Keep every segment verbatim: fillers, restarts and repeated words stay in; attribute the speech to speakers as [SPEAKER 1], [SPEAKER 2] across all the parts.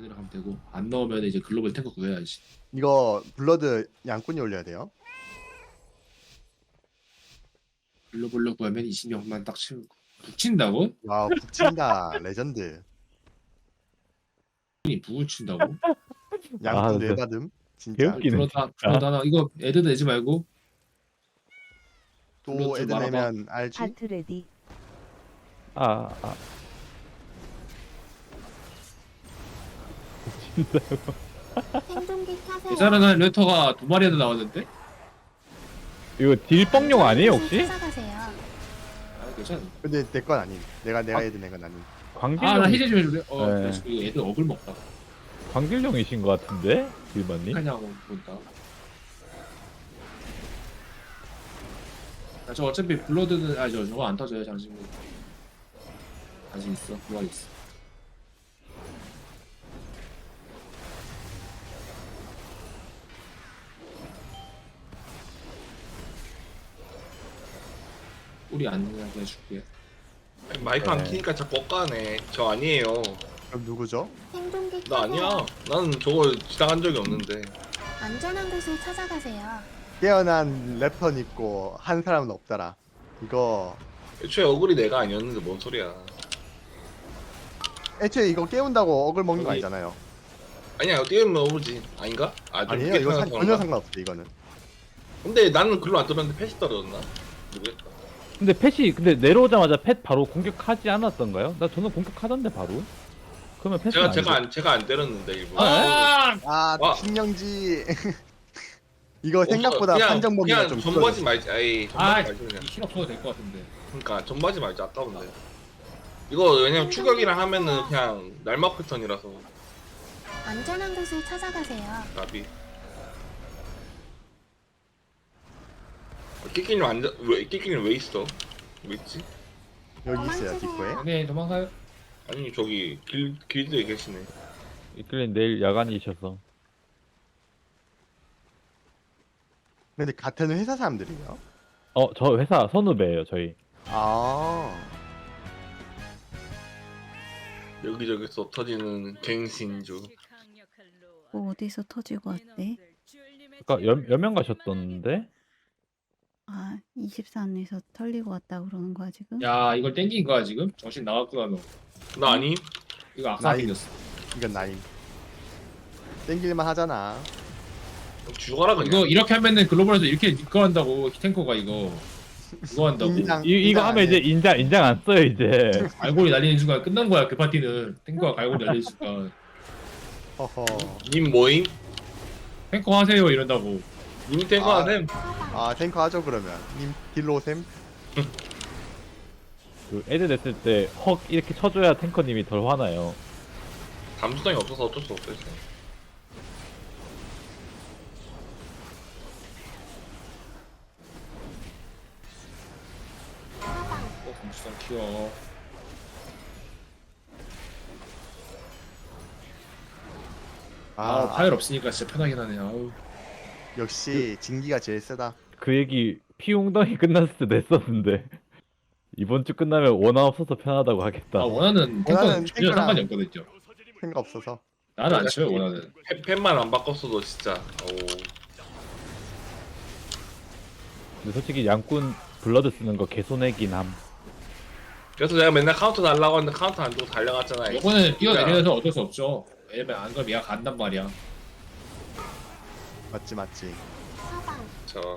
[SPEAKER 1] 그대로 가면 되고 안 넣으면 이제 글로벌 탱커 구해야지.
[SPEAKER 2] 이거 블러드 양꾼이 올려야 돼요.
[SPEAKER 1] 글로벌로 구하면 이십 명만 딱 채우고 북친다고?
[SPEAKER 2] 와 북친다 레전드.
[SPEAKER 1] 이 북을 친다고?
[SPEAKER 2] 양꾼
[SPEAKER 3] 아, 진짜
[SPEAKER 2] 뇌받음 진짜.
[SPEAKER 3] 개웃기네.
[SPEAKER 1] 그러다
[SPEAKER 3] 진짜.
[SPEAKER 1] 그러다 하나 이거 애드 내지 말고
[SPEAKER 2] 또
[SPEAKER 1] 블러드
[SPEAKER 2] 애들
[SPEAKER 1] 말아봐.
[SPEAKER 2] 내면 알지?
[SPEAKER 4] 하트 레디.
[SPEAKER 3] 아, 아.
[SPEAKER 5] 생존기 타세요.
[SPEAKER 1] 예전에는 레터가 두 마리에도 나왔는데?
[SPEAKER 3] 이거 딜뻥용 아니에요 혹시?
[SPEAKER 5] 찾아가세요.
[SPEAKER 1] 아 괜찮아.
[SPEAKER 2] 근데 내 건 아님. 내가 내가
[SPEAKER 3] 아.
[SPEAKER 2] 애들 낸 건 아님.
[SPEAKER 3] 광딜용,
[SPEAKER 1] 아나 해제 좀 해줄래? 어
[SPEAKER 3] 네.
[SPEAKER 1] 그래서 이거 애들 억을 먹다.
[SPEAKER 3] 광딜용이신 것 같은데? 딜만님?
[SPEAKER 1] 하냐고 본다. 아, 저 어차피 블러드는 아저 저거 안 터져요 장신구. 아직 있어 부활 있어. 우리 안 나게 해줄게.
[SPEAKER 6] 마이크 안
[SPEAKER 3] 네.
[SPEAKER 6] 키니까 자꾸 엇가네. 저 아니에요.
[SPEAKER 2] 그럼 누구죠?
[SPEAKER 5] 생존기
[SPEAKER 6] 나
[SPEAKER 5] 타세요.
[SPEAKER 6] 아니야. 나는 저거 지나간 적이 없는데.
[SPEAKER 5] 안전한 곳을 찾아가세요.
[SPEAKER 2] 깨어난 래퍼는 있고 한 사람은 없더라. 이거
[SPEAKER 6] 애초에 어글이 내가 아니었는데 뭔 소리야.
[SPEAKER 2] 애초에 이거 깨운다고 억을 먹는 거
[SPEAKER 6] 여기-
[SPEAKER 2] 아니잖아요.
[SPEAKER 6] 아니야, 뛰면 어글지. 아닌가? 아, 좀
[SPEAKER 2] 아니에요.
[SPEAKER 6] 늦게
[SPEAKER 2] 이거 상,
[SPEAKER 6] 태어나서
[SPEAKER 2] 전혀
[SPEAKER 6] 그런가?
[SPEAKER 2] 상관없어 이거는.
[SPEAKER 6] 근데 나는 글로 안 떨었는데 패시 떨어졌나? 모르겠다.
[SPEAKER 3] 근데 펫이 근데 내려오자마자 펫 바로 공격하지 않았던가요? 나 저는 공격하던데 바로. 그러면 패스
[SPEAKER 6] 제가
[SPEAKER 3] 아니죠?
[SPEAKER 6] 제가 안 제가 안 때렸는데 일부러.
[SPEAKER 1] 아!
[SPEAKER 2] 아
[SPEAKER 6] 와.
[SPEAKER 2] 신경지. 이거
[SPEAKER 6] 없어.
[SPEAKER 2] 생각보다
[SPEAKER 6] 그냥-
[SPEAKER 2] 판정 범위가
[SPEAKER 6] 그냥
[SPEAKER 2] 좀
[SPEAKER 6] 전부하지
[SPEAKER 2] 줄어들었어.
[SPEAKER 6] 말지. 아이,
[SPEAKER 1] 아,
[SPEAKER 6] 전부하지 말지 그냥.
[SPEAKER 1] 힐 없어도 될 것 같은데.
[SPEAKER 6] 그러니까 전부하지 말지 아까운데. 이거 왜냐면 추격이랑 하면은 그냥 날막 패턴이라서
[SPEAKER 5] 안전한 곳을 찾아가세요.
[SPEAKER 6] 나비. 끼끼님 완전 왜 끼끼님 왜 있어? 왜 있지?
[SPEAKER 2] 여기 있어요 뒷코에.
[SPEAKER 1] 네 도망가요.
[SPEAKER 6] 아니 저기 길 길드에 계시네.
[SPEAKER 3] 이끌린 내일 야간이셔서.
[SPEAKER 2] 근데 같은 회사 사람들이에요.
[SPEAKER 3] 어, 저 회사 선후배예요 저희.
[SPEAKER 2] 아
[SPEAKER 6] 여기저기서 터지는 갱신주.
[SPEAKER 4] 뭐 어디서 터지고 왔대?
[SPEAKER 3] 아까 여, 여명 가셨던데?
[SPEAKER 4] 아, 이십사 안에서 털리고 왔다 그러는 거야 지금?
[SPEAKER 1] 야 이걸 땡긴 거야 지금? 정신 나갔구나 너.
[SPEAKER 6] 나 아니?
[SPEAKER 1] 이거 악사
[SPEAKER 2] 나이.
[SPEAKER 1] 생겼어.
[SPEAKER 2] 이건 나임. 땡길만 하잖아.
[SPEAKER 6] 죽어라 그냥.
[SPEAKER 1] 이거 이렇게 하면은 글로벌에서 이렇게 이거 한다고 탱커가 이거 이거 한다고.
[SPEAKER 2] 인장.
[SPEAKER 3] 이, 이거
[SPEAKER 2] 인장
[SPEAKER 3] 하면
[SPEAKER 2] 안
[SPEAKER 3] 이제
[SPEAKER 2] 해.
[SPEAKER 3] 인장 인장 안 써요 이제.
[SPEAKER 1] 갈고리 날리는 순간 끝난 거야 그 파티는. 탱커가 갈고리 날리는 순간
[SPEAKER 2] 허허.
[SPEAKER 6] 님 모임?
[SPEAKER 1] 탱커 하세요 이런다고.
[SPEAKER 6] 님 탱커
[SPEAKER 2] 아.
[SPEAKER 6] 하셈.
[SPEAKER 2] 아 탱커 하죠 그러면. 님 딜로 오셈.
[SPEAKER 3] 그 애들 냈을 때 헉 이렇게 쳐줘야 탱커님이 덜 화나요.
[SPEAKER 6] 감수성이 없어서 어쩔 수 없어요. 진짜.
[SPEAKER 1] 어 감수성 키워. 아,
[SPEAKER 2] 아,
[SPEAKER 1] 파열 없으니까 진짜 편하긴 하네. 아우.
[SPEAKER 2] 역시 진기가 제일 세다.
[SPEAKER 3] 그 얘기 피웅덩이 끝났을 때 냈었는데 이번 주 끝나면 원화 없어서 편하다고 하겠다.
[SPEAKER 1] 아 원하는 탱커는
[SPEAKER 2] 원하는
[SPEAKER 1] 전혀
[SPEAKER 2] 탱커랑-
[SPEAKER 1] 상관이 없거든요.
[SPEAKER 2] 생각 없어서.
[SPEAKER 1] 나는 안 쳐요 원하는.
[SPEAKER 6] 팬- 팬만 안 바꿨어도 진짜. 오.
[SPEAKER 3] 근데 솔직히 양꾼 블러드 쓰는 거 개손해긴 함.
[SPEAKER 6] 그래서 내가 맨날 카운터 달라고 하는데 카운터 안 주고 달려갔잖아.
[SPEAKER 1] 이거는 뛰어내려서 어쩔 수 없죠. 왜냐면 안 그러면 얘가 간단 말이야.
[SPEAKER 2] 맞지 맞지.
[SPEAKER 5] 사방.
[SPEAKER 6] 저.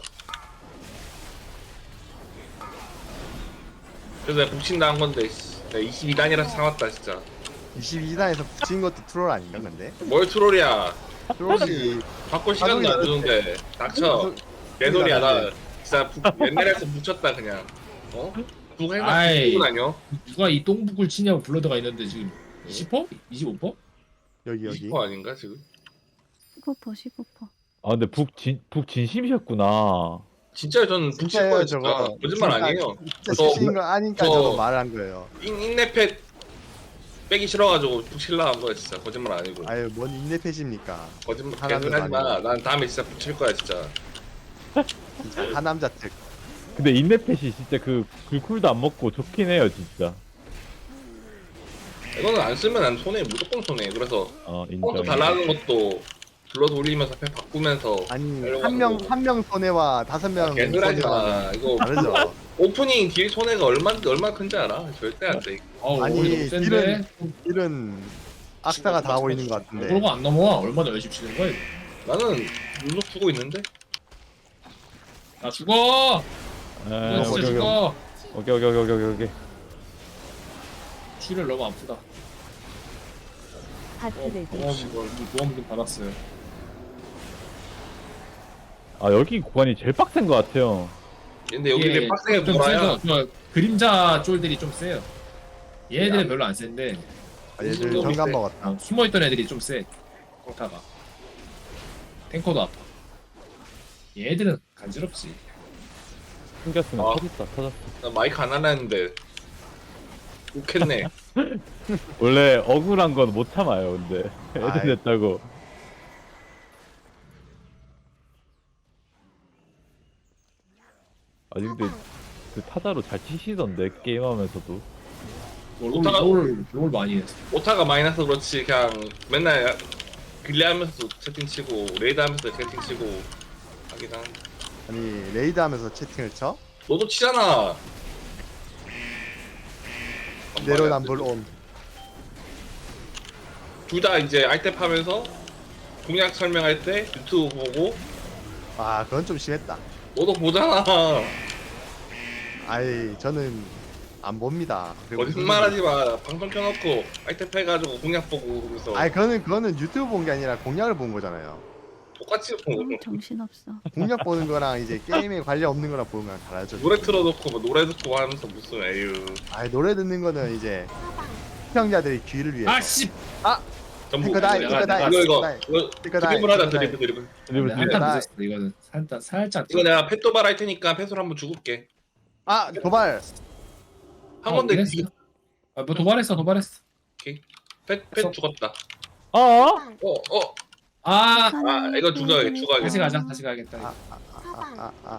[SPEAKER 6] 그래서 내가 북친다 한 건데 씨. 내가 이십이 단이라서 참았다 진짜.
[SPEAKER 2] 이십이 단에서 붙인 것도 트롤 아닌가 근데?
[SPEAKER 6] 뭘 트롤이야.
[SPEAKER 2] 트롤이
[SPEAKER 6] 바꿀 시간도 안 주는데 닥쳐. 개소리야. 나 진짜 북, 옛날에서 묻혔다 그냥. 어? 북 행사
[SPEAKER 1] 아이.
[SPEAKER 6] 북은 아니요?
[SPEAKER 1] 누가 이 똥북을 치냐고 블러드가 있는데 지금 이십 퍼센트? 이십오 퍼센트?
[SPEAKER 2] 여기 여기.
[SPEAKER 6] 이십 퍼센트 아닌가 지금?
[SPEAKER 4] 십오 퍼센트 십오 퍼센트.
[SPEAKER 3] 아 근데 북진 북 진심이셨구나.
[SPEAKER 6] 진짜 저는 북칠
[SPEAKER 2] 진짜예요
[SPEAKER 6] 거예요 진짜.
[SPEAKER 2] 저거.
[SPEAKER 6] 거짓말
[SPEAKER 2] 진짜-
[SPEAKER 6] 아니에요.
[SPEAKER 2] 진짜
[SPEAKER 6] 저-
[SPEAKER 2] 치신 거 아니까
[SPEAKER 6] 저-
[SPEAKER 2] 저거 말한 거예요.
[SPEAKER 6] 인, 인내패 빼기 싫어가지고 북칠라 한 거야 진짜. 거짓말 아니고.
[SPEAKER 2] 아유 뭔 인내패십니까?
[SPEAKER 6] 거짓말
[SPEAKER 2] 하나도
[SPEAKER 6] 개소리 하지 마.
[SPEAKER 2] 아니고.
[SPEAKER 6] 난 다음에 진짜 붙일 거야 진짜.
[SPEAKER 2] 진짜 하남자 특.
[SPEAKER 3] 근데 인내펫이 진짜 그 글쿨도 안 먹고 좋긴 해요 진짜.
[SPEAKER 6] 이거는 안 쓰면 난 손해, 무조건 손해. 그래서
[SPEAKER 3] 어
[SPEAKER 6] 폰트
[SPEAKER 3] 인정.
[SPEAKER 6] 달라는 것도 불러서 올리면서 팩 바꾸면서
[SPEAKER 2] 아니
[SPEAKER 6] 하려고
[SPEAKER 2] 한 명
[SPEAKER 6] 하는
[SPEAKER 2] 한 명 손해와 다섯 명
[SPEAKER 6] 개소리하지 마. 이거
[SPEAKER 2] 다르죠.
[SPEAKER 6] 오프닝 딜 손해가 얼마 얼마 큰지 알아? 절대 안 돼.
[SPEAKER 1] 어우
[SPEAKER 2] 아니,
[SPEAKER 1] 우리 너무 센데.
[SPEAKER 2] 딜은 딜은 악사가 다 하고 있는 것 같은데.
[SPEAKER 1] 그러고 안 넘어와. 얼마나 열심히 치는 거야? 이거.
[SPEAKER 6] 나는 눈썹 주고 있는데.
[SPEAKER 1] 나 죽어.
[SPEAKER 3] 에,
[SPEAKER 1] 나 진짜
[SPEAKER 3] 오케이 오케이
[SPEAKER 1] 죽어.
[SPEAKER 3] 오케이 오케이 오케이 오케이 오케이.
[SPEAKER 1] 쥐를 너무 아프다. 어,
[SPEAKER 7] 하트를
[SPEAKER 1] 보험 보험 좀 받았어요.
[SPEAKER 3] 아 여기 구간이 제일 빡센 것 같아요.
[SPEAKER 6] 근데 여기
[SPEAKER 1] 이게
[SPEAKER 6] 내 빡세게
[SPEAKER 1] 좀
[SPEAKER 6] 돌아야.
[SPEAKER 1] 세서 저 그림자 쫄들이 좀 세요. 얘네들은 별로 안 센데
[SPEAKER 2] 아, 얘들
[SPEAKER 6] 너무
[SPEAKER 2] 정감
[SPEAKER 6] 세.
[SPEAKER 2] 먹었다.
[SPEAKER 1] 아, 숨어있던 애들이 좀 세. 코타가 탱커도 아파. 얘들은 간지럽지.
[SPEAKER 3] 숨겼으면
[SPEAKER 6] 아.
[SPEAKER 3] 터졌다 터졌어.
[SPEAKER 6] 나 마이크 안 하려 했는데. 욕했네.
[SPEAKER 3] 원래 억울한 건 못 참아요. 근데
[SPEAKER 2] 아이.
[SPEAKER 3] 애들 됐다고. 아니 근데 그 타자로 잘 치시던데 게임하면서도.
[SPEAKER 1] 롤,
[SPEAKER 6] 오타가-
[SPEAKER 1] 롤, 롤 많이 했어.
[SPEAKER 6] 오타가 많이 나서 그렇지 그냥 맨날 길레하면서 채팅 치고 레이드 하면서 채팅 치고 하긴 하는데.
[SPEAKER 2] 아니 레이드 하면서 채팅을 쳐?
[SPEAKER 6] 너도 치잖아.
[SPEAKER 2] 내로남불 온.
[SPEAKER 6] 둘다 이제 알탭 하면서 공약 설명할 때 유튜브 보고
[SPEAKER 2] 아 그건 좀 심했다.
[SPEAKER 6] 너도 보잖아.
[SPEAKER 2] 아이 저는 안 봅니다. 그리고
[SPEAKER 6] 거짓말하지 마. 방송 켜놓고 알탭 해가지고 공약 보고 그러면서
[SPEAKER 2] 아니 그거는 그거는 유튜브 본 게 아니라 공략을 본 거잖아요.
[SPEAKER 6] 똑같이 보고
[SPEAKER 4] 너무 정신없어.
[SPEAKER 2] 공략 보는 거랑 이제 게임에 관련 없는 거랑 보는 거랑 다르죠.
[SPEAKER 6] 노래 틀어놓고 뭐 노래 듣고 하면서 무슨 에휴
[SPEAKER 2] 아니 노래 듣는 거는 이제 시청자들이 귀를 위해서.
[SPEAKER 1] 아씨.
[SPEAKER 6] 전부
[SPEAKER 2] 탱커다이,
[SPEAKER 6] 이거
[SPEAKER 2] 탱커다이,
[SPEAKER 6] 이거 이거
[SPEAKER 2] 탱커다이,
[SPEAKER 6] 이거
[SPEAKER 2] 탱커다이,
[SPEAKER 6] 드리블 하자
[SPEAKER 2] 탱커다이.
[SPEAKER 6] 드리블 드리블.
[SPEAKER 3] 드리블
[SPEAKER 1] 한탄
[SPEAKER 3] 드리블.
[SPEAKER 2] 나-
[SPEAKER 1] 늦었어. 이거는 살짝 살짝.
[SPEAKER 6] 이거 내가 펫 도발 할 테니까 펫으로 한번 죽을게.
[SPEAKER 2] 아 도발.
[SPEAKER 6] 한
[SPEAKER 1] 어,
[SPEAKER 6] 건데
[SPEAKER 1] 그랬어? 아, 뭐 도발했어 도발했어.
[SPEAKER 6] 펫펫 죽었다.
[SPEAKER 3] 어?
[SPEAKER 6] 어 어.
[SPEAKER 1] 아
[SPEAKER 6] 아 이거 죽어야겠 죽어야겠.
[SPEAKER 1] 다시 가자 다시 가야겠다.
[SPEAKER 2] 아, 아, 아, 아,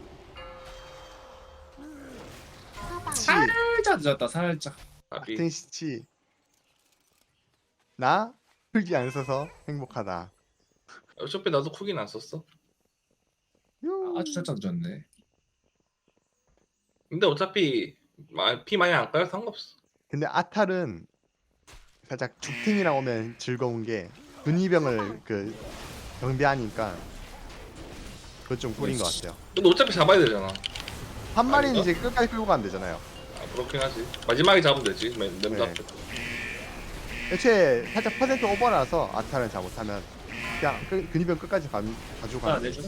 [SPEAKER 2] 아.
[SPEAKER 5] 사방.
[SPEAKER 1] 살짝 늦었다 살짝.
[SPEAKER 6] 아비.
[SPEAKER 2] 같은 시치. 나 풀기 안 써서 행복하다.
[SPEAKER 6] 어차피 나도 쿡인 안 썼어.
[SPEAKER 2] 요.
[SPEAKER 1] 아주 살짝 늦었네.
[SPEAKER 6] 근데 어차피 마- 피 많이 안 까요 상관없어.
[SPEAKER 2] 근데 아탈은 살짝 죽탱이랑 오면 즐거운 게 근위병을 그 경비하니까 그건 좀 꿀인 것 같아요.
[SPEAKER 6] 근데 어차피 잡아야 되잖아.
[SPEAKER 2] 한 마리는
[SPEAKER 6] 아닌가?
[SPEAKER 2] 이제 끝까지 끌고 가면 되잖아요.
[SPEAKER 6] 아 그렇긴 하지. 마지막에 잡으면 되지. 맨 맨
[SPEAKER 2] 네.
[SPEAKER 6] 앞에.
[SPEAKER 2] 애초에 살짝 퍼센트 오버라서 아탈을 잘못하면 그냥 그, 근위병 끝까지 가, 가지고
[SPEAKER 1] 아
[SPEAKER 2] 가면
[SPEAKER 1] 내줘.
[SPEAKER 2] 돼.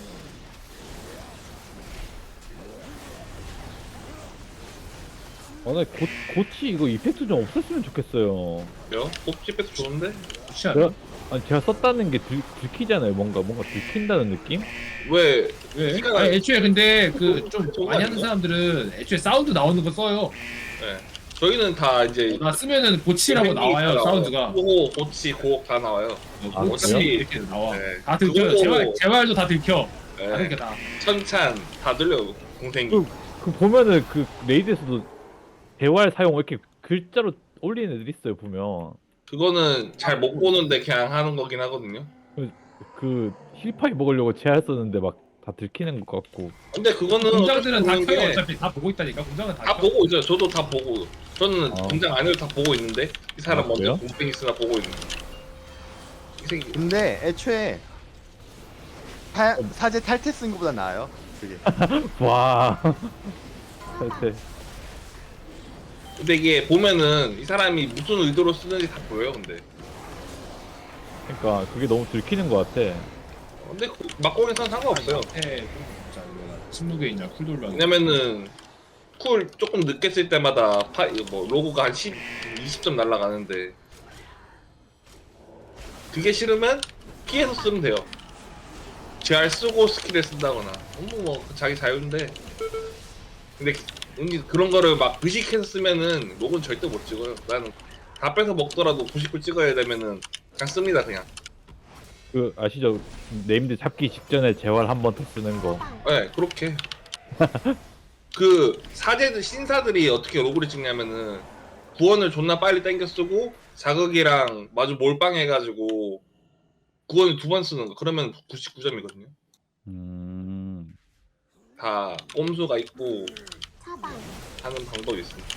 [SPEAKER 3] 아, 나 고, 고치 이거 이펙트 좀 없었으면 좋겠어요.
[SPEAKER 6] 요? 뽑지 뺏도 좋은데?
[SPEAKER 1] 좋지 않아?
[SPEAKER 3] 제가, 아니 제가 썼다는 게 들, 들키잖아요. 뭔가 뭔가 들킨다는 느낌?
[SPEAKER 6] 왜?
[SPEAKER 1] 왜?
[SPEAKER 6] 시간
[SPEAKER 1] 아니, 애초에 근데 그 좀
[SPEAKER 6] 좋은 거
[SPEAKER 1] 많이 하는
[SPEAKER 6] 아닌가?
[SPEAKER 1] 사람들은 애초에 사운드 나오는 거 써요.
[SPEAKER 6] 네. 저희는 다 이제
[SPEAKER 1] 나 쓰면은 보치라고 나와요 사운드가.
[SPEAKER 6] 고 고치 고옥 다 나와요.
[SPEAKER 3] 아,
[SPEAKER 1] 보치
[SPEAKER 3] 그래요?
[SPEAKER 1] 이렇게 나와.
[SPEAKER 6] 네.
[SPEAKER 1] 다 들켜요.
[SPEAKER 6] 그거-
[SPEAKER 1] 재활 재활도 다 들켜. 다
[SPEAKER 6] 네.
[SPEAKER 1] 들켜 다.
[SPEAKER 6] 천찬 다 들려 공생이.
[SPEAKER 3] 그, 그 보면은 그 레이드에서도 대활 사용 이렇게 글자로 올리는 애들 있어요. 보면
[SPEAKER 6] 그거는 잘 못 보는데 그냥 하는 거긴 하거든요.
[SPEAKER 3] 그 힐파이 먹으려고 제할 썼는데 막 다 들키는 것 같고.
[SPEAKER 6] 근데 그거는
[SPEAKER 1] 공장들은 다
[SPEAKER 6] 어차피
[SPEAKER 1] 켜요.
[SPEAKER 6] 보는 게
[SPEAKER 1] 어차피 다 보고 있다니까. 공장은 다,
[SPEAKER 6] 다
[SPEAKER 1] 켜.
[SPEAKER 6] 보고 있어요. 저도 다 보고. 저는
[SPEAKER 3] 아.
[SPEAKER 6] 공장 안에도 다 보고 있는데 이 사람
[SPEAKER 3] 아,
[SPEAKER 6] 먼저
[SPEAKER 3] 그래요?
[SPEAKER 6] 공생이 쓰나 보고 있는. 이 새끼.
[SPEAKER 2] 근데 애초에 타, 사제 탈퇴 쓴 것보다 나아요. 그게.
[SPEAKER 3] 와.
[SPEAKER 5] 사방.
[SPEAKER 3] 사실
[SPEAKER 6] 근데 이게 보면은 이 사람이 무슨 의도로 쓰는지 다 보여요. 근데.
[SPEAKER 3] 그러니까 그게 너무 들키는 것 같아.
[SPEAKER 6] 근데 그 막공에서는 상관없어요.
[SPEAKER 1] 네. 자 이거 침묵의 쿨 돌려.
[SPEAKER 6] 왜냐면은 쿨 조금 늦게 쓸 때마다 파, 뭐 로고가 한 십, 이십 점 날라가는데 그게 싫으면 피해서 쓰면 돼요. 제알 쓰고 스킬을 쓴다거나 뭐, 뭐 자기 자유인데 근데 은근 그런 거를 막 의식해서 쓰면은 로고는 절대 못 찍어요. 나는 다 뺏어 먹더라도 구십 분 찍어야 되면은 그냥 씁니다 그냥.
[SPEAKER 3] 그 아시죠? 네임드 잡기 직전에 재활 한 번 더 쓰는 거.
[SPEAKER 5] 사방.
[SPEAKER 6] 네, 그렇게. 그 사제들 신사들이 어떻게 로고를 찍냐면은 구원을 존나 빨리 땡겨 쓰고 자극이랑 마주 몰빵해가지고 구원을 두 번 쓰는 거. 그러면 구십구 점이거든요.
[SPEAKER 3] 음.
[SPEAKER 6] 다 꼼수가 있고
[SPEAKER 5] 차단.
[SPEAKER 6] 하는 방법이 있습니다.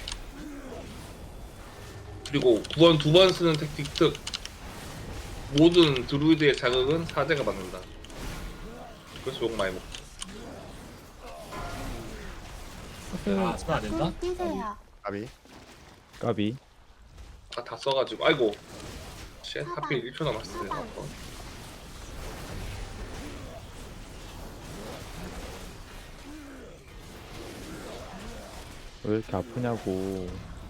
[SPEAKER 6] 그리고 구원 두 번 쓰는 택틱 특 모든 드루이드의 자극은 사제가 받는다. 그래서 욕 많이 먹죠.
[SPEAKER 1] 아, 쓰면 안 된다?
[SPEAKER 5] 꿀 뛰세요.
[SPEAKER 2] 까비.
[SPEAKER 3] 까비.
[SPEAKER 6] 아, 다 써가지고 아이고 쉣 하필 일 초 남았어요.
[SPEAKER 5] 차단.
[SPEAKER 6] 아까.
[SPEAKER 3] 왜 이렇게 아프냐고.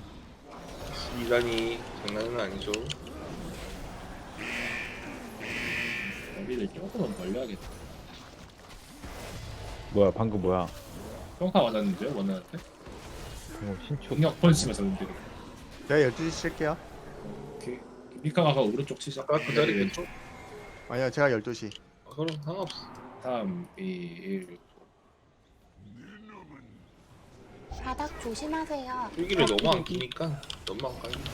[SPEAKER 6] 이란이 장난은 아니죠.
[SPEAKER 1] 여기를 조금은 벌려야겠다.
[SPEAKER 3] 뭐야 방금 뭐야?
[SPEAKER 1] 평타 맞았는데요, 원나한테?
[SPEAKER 3] 어, 신축.
[SPEAKER 1] 공격 펀치만 썼는데.
[SPEAKER 2] 제가 열두 시 칠게요.
[SPEAKER 1] 오케이. 미카 가서 오른쪽 치자.
[SPEAKER 6] 아까 그 자리겠죠?
[SPEAKER 2] 아니요, 제가 열두 시.
[SPEAKER 6] 아, 그럼 상관없어.
[SPEAKER 1] 삼, 이, 일.
[SPEAKER 5] 바닥 조심하세요.
[SPEAKER 6] 필기를 너무 안 끼니까 너무 안 가요.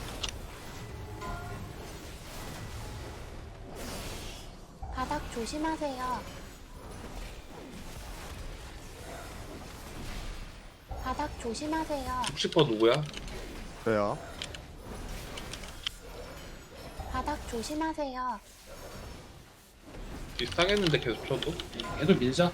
[SPEAKER 5] 바닥 조심하세요. 바닥 조심하세요.
[SPEAKER 6] 육십 퍼센트 누구야?
[SPEAKER 2] 저요.
[SPEAKER 5] 바닥 조심하세요.
[SPEAKER 6] 비슷하겠는데 계속 쳐도?
[SPEAKER 1] 얘도 밀자.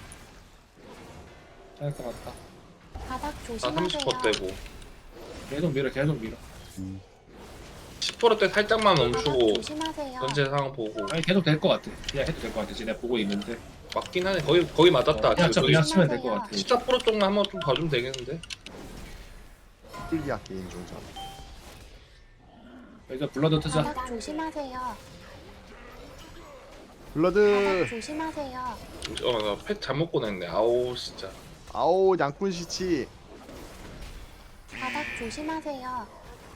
[SPEAKER 1] 잘것 같다.
[SPEAKER 5] 바닥
[SPEAKER 6] 나
[SPEAKER 5] 조심하세요.
[SPEAKER 6] 삼십 퍼센트 떼고
[SPEAKER 1] 계속 밀어, 계속 밀어.
[SPEAKER 6] 십 퍼센트 때 살짝만
[SPEAKER 5] 바닥
[SPEAKER 6] 멈추고
[SPEAKER 5] 조심하세요.
[SPEAKER 6] 전체 상황 보고
[SPEAKER 1] 아니 계속 될 것 같아. 그냥 해도 될 것 같아. 지금 내가 보고 있는데.
[SPEAKER 6] 맞긴 하네. 거의 거의 맞았다.
[SPEAKER 1] 어, 그냥 쳐,
[SPEAKER 6] 지금
[SPEAKER 1] 그냥 치면 될 것 같아.
[SPEAKER 6] 십사 퍼센트 쪽만 한번 좀 봐주면 되겠는데?
[SPEAKER 2] 풀기학 게임 중전.
[SPEAKER 1] 여기서 블러드 뜨자.
[SPEAKER 5] 바닥 조심하세요.
[SPEAKER 2] 블러드.
[SPEAKER 5] 바닥 조심하세요.
[SPEAKER 6] 어나 팩 잘못 꺼냈네. 아우 진짜.
[SPEAKER 2] 아오, 양꾼 시치.
[SPEAKER 5] 바닥 조심하세요.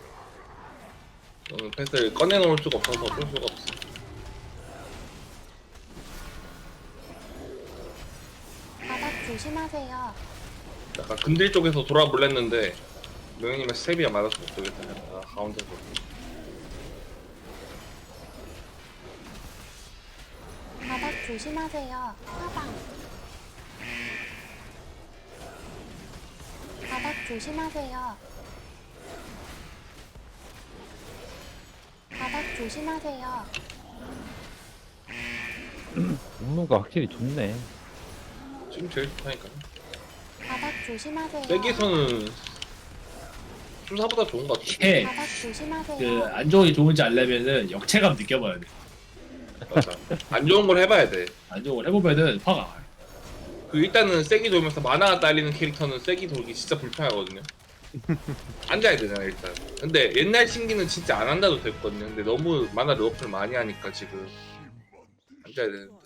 [SPEAKER 6] 오늘 팩을 꺼내놓을 수가 없어서 어쩔 수가 없어.
[SPEAKER 5] 바닥 조심하세요.
[SPEAKER 6] 약간 근딜 쪽에서 돌아볼랬는데 명현님의 스텝이야 맞아서 못 되겠다. 아, 가운데서.
[SPEAKER 5] 바닥 조심하세요. 차단. 바닥 조심하세요. 바닥 조심하세요.
[SPEAKER 3] 음무가 확실히 좋네.
[SPEAKER 6] 지금 제일 좋다니까.
[SPEAKER 5] 바닥 조심하세요.
[SPEAKER 6] 세기에서는 수사보다 좋은 것 같아.
[SPEAKER 1] 이게
[SPEAKER 5] 바닥 조심하세요.
[SPEAKER 1] 그 안 좋은 게 좋은지 알려면은 역체감 느껴봐야 돼.
[SPEAKER 6] 맞아. 안 좋은 걸 해봐야 돼.
[SPEAKER 1] 안 좋은 걸 해보면은 화가 나.
[SPEAKER 6] 그 일단은 세기 돌면서 마나가 딸리는 캐릭터는 세기 돌기 진짜 불편하거든요. 앉아야 되잖아 일단. 근데 옛날 신기는 진짜 안 앉아도 됐거든요. 근데 너무 마나 러프를 많이 하니까 지금 앉아야 되는데.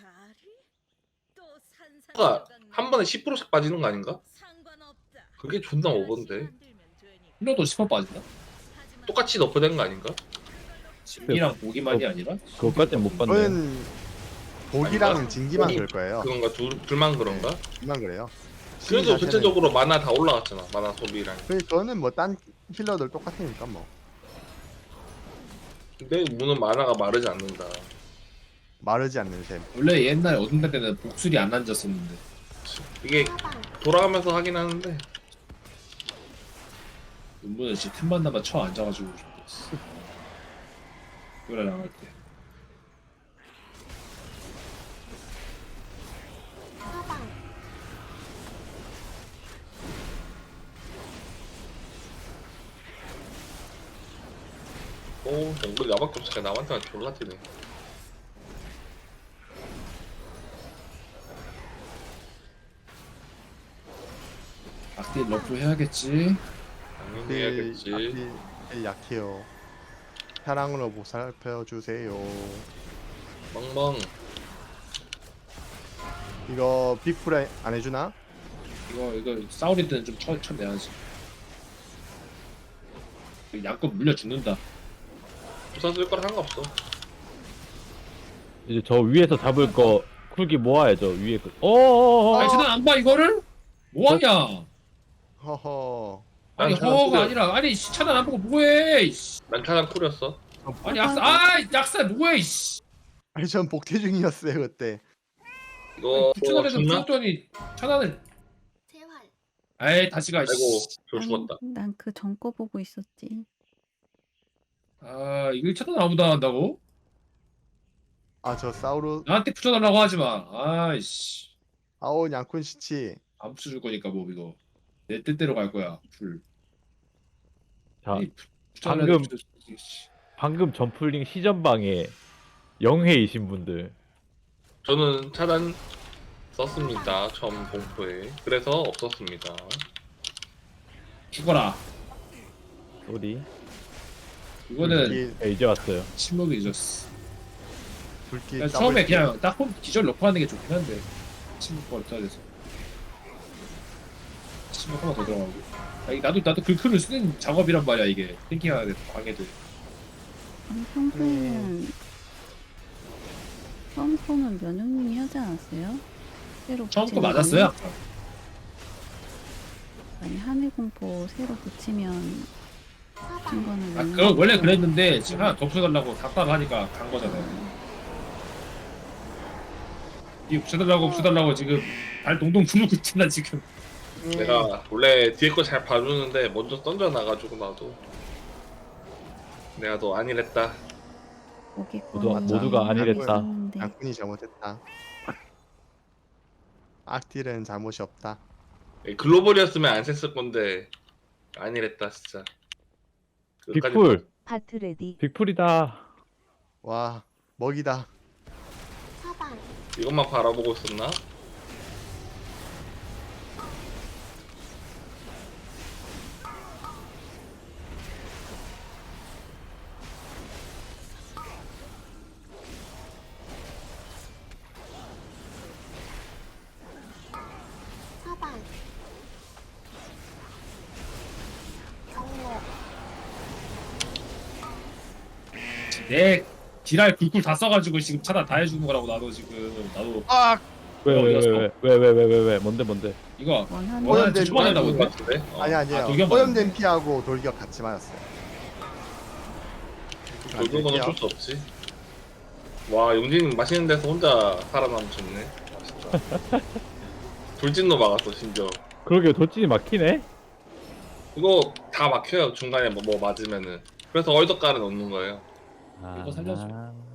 [SPEAKER 6] 가 한 번에 십 퍼센트씩 빠지는 거 아닌가? 그게 존나 오버인데.
[SPEAKER 1] 힐러도 십 퍼센트 빠진다?
[SPEAKER 6] 똑같이 너프된 거 아닌가?
[SPEAKER 1] 진기랑 보기만이 아니라?
[SPEAKER 3] 그것까지는 못 봤네.
[SPEAKER 2] 저는 보기랑
[SPEAKER 6] 아닌가?
[SPEAKER 2] 진기만
[SPEAKER 6] 보기-
[SPEAKER 2] 그럴 거예요.
[SPEAKER 6] 그런가 둘, 둘만 그런가?
[SPEAKER 2] 둘만 그래요.
[SPEAKER 6] 그래도
[SPEAKER 2] 자체는-
[SPEAKER 6] 전체적으로 마나 다 올라갔잖아. 마나 소비랑.
[SPEAKER 2] 그 저는 뭐 딴 힐러들 똑같으니까 뭐
[SPEAKER 6] 근데 문은 마나가 마르지 않는다.
[SPEAKER 2] 마르지 않는 셈.
[SPEAKER 1] 원래 옛날에 어둠달 때는 복술이 안 앉았었는데
[SPEAKER 6] 이게
[SPEAKER 5] 차단.
[SPEAKER 6] 돌아가면서 하긴 하는데
[SPEAKER 1] 눈문은 진짜 틈만 나면 쳐 앉아가지고 죽었어. 그래 나갈 때.
[SPEAKER 5] 차단.
[SPEAKER 6] 오 정글 나밖에 없으니까 남한테만 졸라 뛰네.
[SPEAKER 1] 악딜 러프 해야겠지.
[SPEAKER 6] 당연히
[SPEAKER 2] 딜,
[SPEAKER 6] 해야겠지.
[SPEAKER 2] 악딜, 딜 약해요. 사랑으로 보살펴 주세요.
[SPEAKER 6] 멍멍.
[SPEAKER 2] 이거 빅프라이 안 해주나?
[SPEAKER 1] 이거 이거 싸우릴 때는 좀 쳐, 쳐내야지. 양껏 물려 죽는다.
[SPEAKER 6] 부산 쓸 거랑 상관없어.
[SPEAKER 3] 이제 저 위에서 잡을 거 쿨기 모아야죠. 위에 거. 어어어.
[SPEAKER 1] 아니 쟤는 안 봐 이거를? 뭐하냐?
[SPEAKER 2] 허허.
[SPEAKER 1] 아니
[SPEAKER 6] 난 차단
[SPEAKER 1] 허가
[SPEAKER 6] 쿨이야.
[SPEAKER 1] 아니라 아니 씨, 차단 안 보고 뭐해 이씨.
[SPEAKER 6] 난 차단 쿨이었어.
[SPEAKER 1] 아니 약사 아 약사 뭐해 이씨.
[SPEAKER 2] 아니 전 복퇴 중이었어요 그때.
[SPEAKER 6] 이거
[SPEAKER 1] 추천을 해도
[SPEAKER 6] 죽나?
[SPEAKER 1] 죽더니 차단을
[SPEAKER 5] 재활.
[SPEAKER 1] 에이 다시 가
[SPEAKER 6] 아이고
[SPEAKER 1] 씨.
[SPEAKER 6] 저 죽었다.
[SPEAKER 4] 난 그 전 거 보고 있었지.
[SPEAKER 1] 아 이걸 차단 아무도 안 한다고?
[SPEAKER 2] 아 저 사우루
[SPEAKER 1] 나한테 붙여달라고 하지마. 아이씨
[SPEAKER 2] 아오 양쿤 시치.
[SPEAKER 1] 안 붙여줄 거니까 뭐 이거 내 뜻대로 갈 거야 풀.
[SPEAKER 3] 자,
[SPEAKER 1] 아니, 붙여달라고
[SPEAKER 3] 방금
[SPEAKER 1] 붙여주지, 씨.
[SPEAKER 3] 방금 점플링 시전방에 영해이신 분들
[SPEAKER 6] 저는 차단 썼습니다. 처음 공포에. 그래서 없었습니다.
[SPEAKER 1] 죽어라.
[SPEAKER 3] 소리.
[SPEAKER 1] 이거는
[SPEAKER 2] 불길
[SPEAKER 3] 네, 이제 왔어요.
[SPEAKER 1] 침묵이 잊었어.
[SPEAKER 2] 불길
[SPEAKER 1] 그냥
[SPEAKER 2] 더블
[SPEAKER 1] 처음에
[SPEAKER 2] 킬.
[SPEAKER 1] 그냥 딱 홈 기절 넣고 하는 게 좋긴 한데 침묵 걸어야 돼서 침묵 하나 더 들어가고. 아니, 나도 나도 글크를 쓰는 작업이란 말이야 이게 탱킹하는 방해도.
[SPEAKER 4] 아니 평소에는 처음 거는 면역님이 하지 않았어요? 새로
[SPEAKER 1] 처음 거
[SPEAKER 4] 붙이는
[SPEAKER 1] 맞았어요?
[SPEAKER 4] 거는? 아니 하늘 공포 새로 붙이면
[SPEAKER 5] 사방.
[SPEAKER 4] 친구는
[SPEAKER 1] 아 그거 원래 그랬는데 지금 하나 더 붙여달라고 답답 하니까 간 거잖아요. 이 붙여달라고 붙여달라고 지금 발 동동 부르고 있잖아 지금.
[SPEAKER 2] 음,
[SPEAKER 6] 내가 원래 뒤에 거 잘 봐주는데 먼저 던져놔가지고 나도 내가 너 아니랬다.
[SPEAKER 4] 거기
[SPEAKER 3] 모두-
[SPEAKER 4] 거는
[SPEAKER 3] 모두가 아니랬다.
[SPEAKER 4] 있었는데.
[SPEAKER 2] 양쿤이 잘못했다. 악딜은 잘못이 없다.
[SPEAKER 6] 글로벌이었으면 안 셌을 건데 아니랬다 진짜. 끝까지
[SPEAKER 3] 빅풀.
[SPEAKER 7] 하트 레디.
[SPEAKER 3] 빅풀이다.
[SPEAKER 2] 와 먹이다.
[SPEAKER 5] 사방.
[SPEAKER 6] 이것만 바라보고 있었나?
[SPEAKER 5] 사방. 경로.
[SPEAKER 1] 내 딜할 굴굴 다 써가지고 지금 차단 다 해주는 거라고 나도 지금 나도
[SPEAKER 2] 아
[SPEAKER 3] 왜 왜 왜 왜 왜 왜 왜 왜 왜 뭔데 뭔데?
[SPEAKER 1] 이거
[SPEAKER 4] 원하는
[SPEAKER 1] 원하는
[SPEAKER 2] 오염된-
[SPEAKER 1] 초반 한다고
[SPEAKER 6] 그런 거
[SPEAKER 1] 했는데
[SPEAKER 6] 같은데? 어.
[SPEAKER 2] 아니 아니에요.
[SPEAKER 1] 아, 돌격
[SPEAKER 2] 오염된
[SPEAKER 1] 맞았네.
[SPEAKER 2] 피하고 돌격 같이 맞았어요.
[SPEAKER 6] 돌던 건 어쩔 수 없지. 와 용진 맛있는 데서 혼자 살아남으셨네. 맛있다. 돌진도 막았어 심지어.
[SPEAKER 3] 그러게 돌진이 막히네. 이거
[SPEAKER 6] 이거 다 막혀요 중간에 뭐, 뭐 맞으면은. 그래서 얼덕가를 넣는 거예요.
[SPEAKER 1] 이거 살려줘.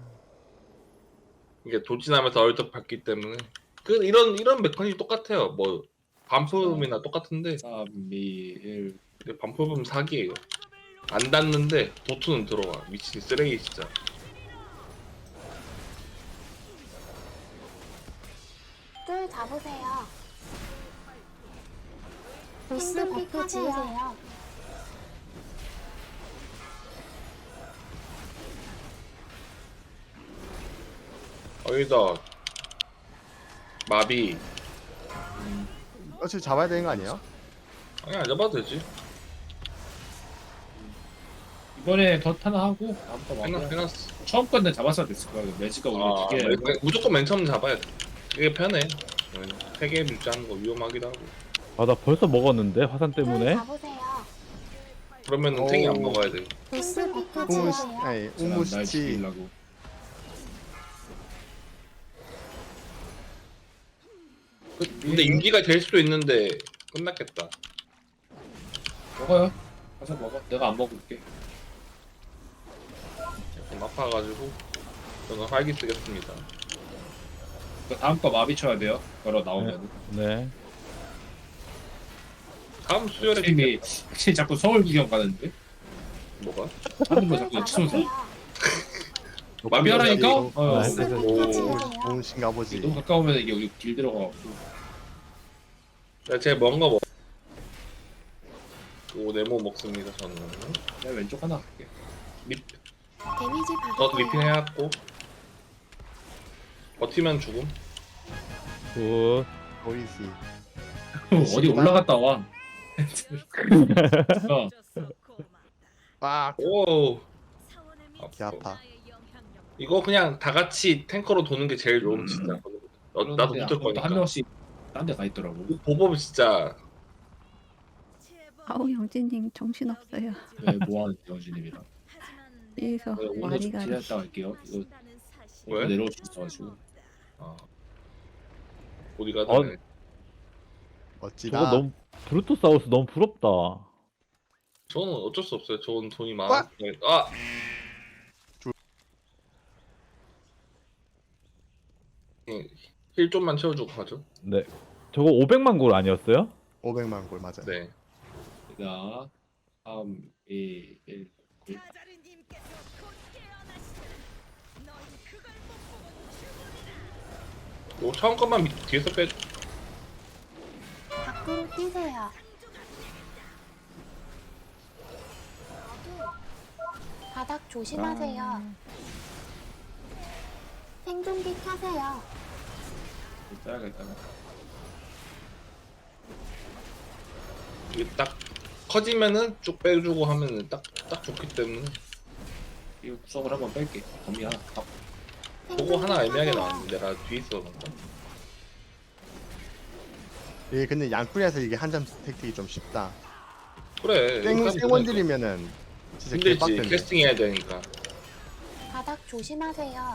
[SPEAKER 6] 이게 돌진하면서 얼덕 받기 때문에 그 이런 이런 메커니즘 똑같아요. 뭐 반품이나 똑같은데
[SPEAKER 1] 삼, 이, 일.
[SPEAKER 6] 근데 반품은 사기예요. 안 닿는데 도트는 들어와. 미친 쓰레기 진짜.
[SPEAKER 5] 줄 잡으세요. 보스 버프 지으세요.
[SPEAKER 6] 어이다 마비.
[SPEAKER 2] 어차피 잡아야 되는 거 아니에요?
[SPEAKER 6] 아니 안 잡아도 되지.
[SPEAKER 1] 이번에 덧 하나 하고 다음 거
[SPEAKER 6] 해놨,
[SPEAKER 1] 맞아.
[SPEAKER 6] 해놨어.
[SPEAKER 1] 처음 건데 잡았어야 됐을 거야. 매지가 우리
[SPEAKER 6] 아,
[SPEAKER 1] 두 개.
[SPEAKER 6] 맨- 맨- 무조건 맨 처음 잡아야 돼. 이게 편해. 세개 유지하는 거 위험하기도 하고.
[SPEAKER 3] 아 나 벌써 먹었는데 화산
[SPEAKER 5] 줄
[SPEAKER 3] 때문에.
[SPEAKER 5] 잡으세요.
[SPEAKER 6] 그러면은 탱이 안
[SPEAKER 2] 오.
[SPEAKER 6] 먹어야 돼.
[SPEAKER 5] 보스 버프
[SPEAKER 2] 우무시
[SPEAKER 5] 지으세요.
[SPEAKER 2] 아니
[SPEAKER 1] 날
[SPEAKER 2] 우무시치
[SPEAKER 1] 죽이려고.
[SPEAKER 6] 근데 인기가 될 수도 있는데 끝났겠다.
[SPEAKER 1] 먹어요. 가서 먹어. 내가 안 먹을게.
[SPEAKER 6] 좀 아파가지고 저는 활기 쓰겠습니다.
[SPEAKER 1] 그 다음 거 마비 쳐야 돼요. 걸어 나오면.
[SPEAKER 3] 네.
[SPEAKER 6] 다음 수요일에
[SPEAKER 1] 팀이 확실히 자꾸 서울 구경 가는데.
[SPEAKER 6] 뭐가?
[SPEAKER 1] 하는 거
[SPEAKER 5] 줄
[SPEAKER 1] 자꾸 치솟아.
[SPEAKER 5] 잡으세요.
[SPEAKER 1] 마비하라니까? 어,
[SPEAKER 3] 아,
[SPEAKER 5] 보스
[SPEAKER 3] 네.
[SPEAKER 5] 버프
[SPEAKER 6] 오.
[SPEAKER 5] 지으세요.
[SPEAKER 2] 좋으신가 보지.
[SPEAKER 1] 너무 가까우면 이게 우리 길 들어가고.
[SPEAKER 6] 야, 제가 뭔가 먹. 오 네모 먹습니다 저는.
[SPEAKER 1] 내가 왼쪽 하나 할게.
[SPEAKER 6] 립.
[SPEAKER 5] 데미지
[SPEAKER 6] 저도
[SPEAKER 5] 받으세요.
[SPEAKER 6] 리핑 해왔고. 버티면 죽음.
[SPEAKER 3] 굿.
[SPEAKER 2] 보이시.
[SPEAKER 1] 어디 올라갔다 와. 어,
[SPEAKER 2] 빡.
[SPEAKER 6] 오.
[SPEAKER 2] 개 아파.
[SPEAKER 6] 이거 그냥 다 같이 탱커로 도는 게 제일 좋은 진짜. 어, 나도 붙을
[SPEAKER 1] 한
[SPEAKER 6] 거니까.
[SPEAKER 1] 명씩 딴 데 가 있더라고.
[SPEAKER 6] 보법 진짜
[SPEAKER 4] 아우 영진님 정신없어요.
[SPEAKER 1] 왜 뭐하는 영진님이랑.
[SPEAKER 4] 뒤에서
[SPEAKER 1] 네, 오늘 좀
[SPEAKER 4] 와리가
[SPEAKER 1] 기다렸다 갈게요. 이거
[SPEAKER 6] 왜?
[SPEAKER 1] 내려올 수 있어가지고.
[SPEAKER 6] 아. 어디 가든
[SPEAKER 3] 어.
[SPEAKER 2] 멋지다.
[SPEAKER 3] 저거 너무 브루토사우스 너무 부럽다.
[SPEAKER 6] 저는 어쩔 수 없어요. 저는 돈이
[SPEAKER 2] 와!
[SPEAKER 6] 많아. 아.
[SPEAKER 2] 주-
[SPEAKER 6] 예, 힐 좀만 채워주고 가죠.
[SPEAKER 3] 네. 저거 오백만 골 아니었어요?
[SPEAKER 2] 오백만 골 맞아요.
[SPEAKER 6] 네.
[SPEAKER 1] 자, 삼, 이, 일.
[SPEAKER 6] 요 처음 것만 밑- 뒤에서 빼.
[SPEAKER 5] 밖으로 뛰세요. 바닥 조심하세요. 생존기 켜세요.
[SPEAKER 1] 빼야겠다.
[SPEAKER 6] 이게 딱 커지면은 쭉 빼주고 하면은 딱 딱 좋기 때문에
[SPEAKER 1] 이거 구석을 한번 뺄게. 범위 하나. 딱.
[SPEAKER 6] 그거 하나 애매하게 나왔는데 내가 뒤에 있어.
[SPEAKER 2] 이게 근데 양풀에서 이게 한 점 택틱이 좀 쉽다.
[SPEAKER 6] 그래.
[SPEAKER 2] 생
[SPEAKER 6] 이렇게
[SPEAKER 2] 생원들이면은 진짜
[SPEAKER 6] 힘들지.
[SPEAKER 2] 개빡센데.
[SPEAKER 6] 캐스팅 해야 되니까.
[SPEAKER 5] 바닥 조심하세요.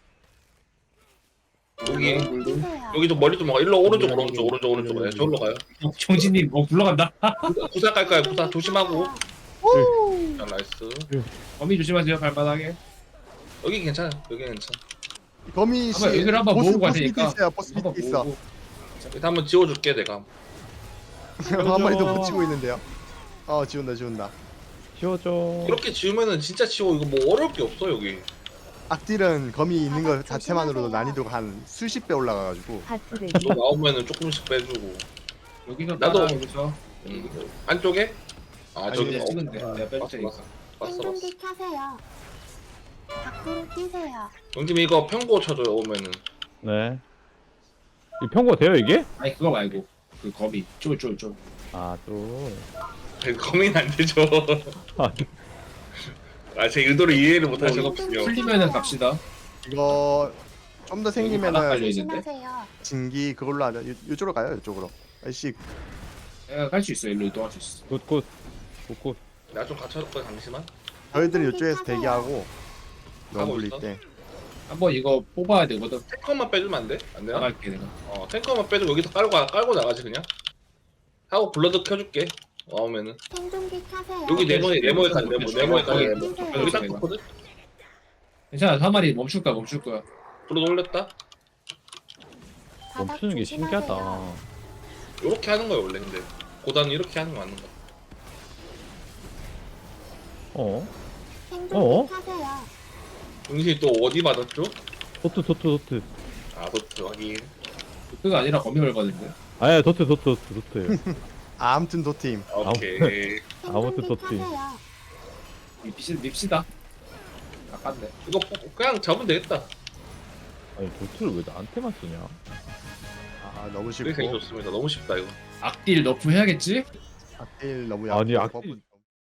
[SPEAKER 6] 여기
[SPEAKER 1] 물도.
[SPEAKER 5] 뛰세요.
[SPEAKER 6] 여기 좀 머리 좀 봐. 일로 오른쪽 오른쪽 오른쪽 오른쪽. 네, 저기로 가요.
[SPEAKER 1] 정진님 뭐 굴러간다.
[SPEAKER 6] 구사 깔 거야. 구사 조심하고. 자, 나이스.
[SPEAKER 1] 범위 조심하세요. 발바닥에.
[SPEAKER 6] 여기 괜찮아. 여기 괜찮아.
[SPEAKER 2] 거미 씨
[SPEAKER 1] 한번 여기를 한번
[SPEAKER 2] 보스
[SPEAKER 1] 모으고
[SPEAKER 2] 보스 밑에
[SPEAKER 1] 가시니까.
[SPEAKER 2] 있어요. 보스
[SPEAKER 1] 한번
[SPEAKER 2] 밑에 있어.
[SPEAKER 1] 모으고.
[SPEAKER 6] 일단 한번 지워줄게 내가.
[SPEAKER 2] 한 마리 더 붙이고 있는데요. 어 지운다 지운다.
[SPEAKER 3] 지워줘.
[SPEAKER 6] 이렇게 지우면은 진짜 치워. 이거 뭐 어려울 게 없어 여기.
[SPEAKER 2] 악딜은 거미 있는 거
[SPEAKER 5] 바닥
[SPEAKER 2] 자체만으로도
[SPEAKER 5] 조심하세요.
[SPEAKER 2] 난이도가 한 수십 배 올라가가지고
[SPEAKER 6] 너 나오면은 조금씩 빼주고.
[SPEAKER 1] 여기서
[SPEAKER 6] 나도-
[SPEAKER 1] 따라 여기서.
[SPEAKER 6] 음. 안쪽에? 아
[SPEAKER 2] 아니,
[SPEAKER 6] 저기
[SPEAKER 2] 이제
[SPEAKER 6] 어,
[SPEAKER 1] 찍으면 돼.
[SPEAKER 2] 어,
[SPEAKER 1] 내가 뺄
[SPEAKER 6] 봤어
[SPEAKER 1] 테니까.
[SPEAKER 6] 봤어 봤어 봤어.
[SPEAKER 5] 생존기 켜세요. 밖으로 뛰세요.
[SPEAKER 6] 영팀 이거 평고 쳐줘요 오면은.
[SPEAKER 3] 네. 이 평고 돼요 이게?
[SPEAKER 1] 아니 그거 말고 그 거미 쫄쫄쫄.
[SPEAKER 3] 아 또.
[SPEAKER 6] 고민 안 되죠.
[SPEAKER 3] 아,
[SPEAKER 6] 아 제 의도를 이해를 못
[SPEAKER 1] 뭐,
[SPEAKER 6] 하시거든요.
[SPEAKER 1] 풀리면은 갑시다.
[SPEAKER 2] 이거 좀 더
[SPEAKER 1] 바닥
[SPEAKER 2] 생기면은
[SPEAKER 1] 깔려 있는데.
[SPEAKER 5] 조심하세요.
[SPEAKER 2] 진기 그걸로 하자. 요, 요쪽으로 가요. 요쪽으로. 아이씨
[SPEAKER 1] 내가 갈 수 있어. 일로 이동할 수 있어.
[SPEAKER 3] 굿굿. 굿굿.
[SPEAKER 6] 나 좀 갖춰놓고 잠시만.
[SPEAKER 2] 저희들은 요쪽에서 대기하고
[SPEAKER 6] 하고
[SPEAKER 2] 너무
[SPEAKER 6] 있어?
[SPEAKER 2] 때
[SPEAKER 1] 한번 이거 뽑아야 되거든.
[SPEAKER 6] 탱커만 빼주면 안 돼? 안 되나?
[SPEAKER 1] 나갈게 내가.
[SPEAKER 6] 어 탱커만 빼주고 여기서 깔고 가- 깔고 나가지 그냥. 하고 블러드 켜줄게. 와오면은
[SPEAKER 5] 생존기 켜세요.
[SPEAKER 6] 여기 네모에 네모에 가 네모 네모에 가 네모.
[SPEAKER 5] 켜세요.
[SPEAKER 6] 여기 딱 좋거든.
[SPEAKER 1] 괜찮아. 한 마리 멈출 거야. 멈출 거야.
[SPEAKER 6] 블러드 올렸다.
[SPEAKER 5] 바닥
[SPEAKER 3] 멈추는 게
[SPEAKER 5] 조심하세요.
[SPEAKER 3] 신기하다.
[SPEAKER 6] 요렇게 하는 거야 원래 근데. 고단은 이렇게 하는 거 맞는 거.
[SPEAKER 3] 어?
[SPEAKER 5] 생존기
[SPEAKER 3] 어?
[SPEAKER 5] 켜세요.
[SPEAKER 6] 응신이 또 어디 맞았죠?
[SPEAKER 3] 도트 도트 도트.
[SPEAKER 6] 아 도트 확인.
[SPEAKER 1] 그가 아니라 거미 걸거든요.
[SPEAKER 3] 아예 도트 도트 도트 도트.
[SPEAKER 2] 아, 아무튼 도팀.
[SPEAKER 6] 오케이.
[SPEAKER 3] 아무튼
[SPEAKER 5] 생존기
[SPEAKER 3] 또 뛰.
[SPEAKER 5] 켜세요.
[SPEAKER 1] 밉시, 밉시다. 아깝네.
[SPEAKER 6] 이거 그냥 잡으면 되겠다.
[SPEAKER 3] 아니 도트를 왜 나한테만 쓰냐?
[SPEAKER 2] 아 너무
[SPEAKER 6] 그게 되게
[SPEAKER 2] 쉽고
[SPEAKER 6] 좋습니다. 너무 쉽다 이거.
[SPEAKER 1] 악딜 너프 해야겠지?
[SPEAKER 2] 악딜 너무
[SPEAKER 3] 아니
[SPEAKER 2] 약하고
[SPEAKER 3] 악딜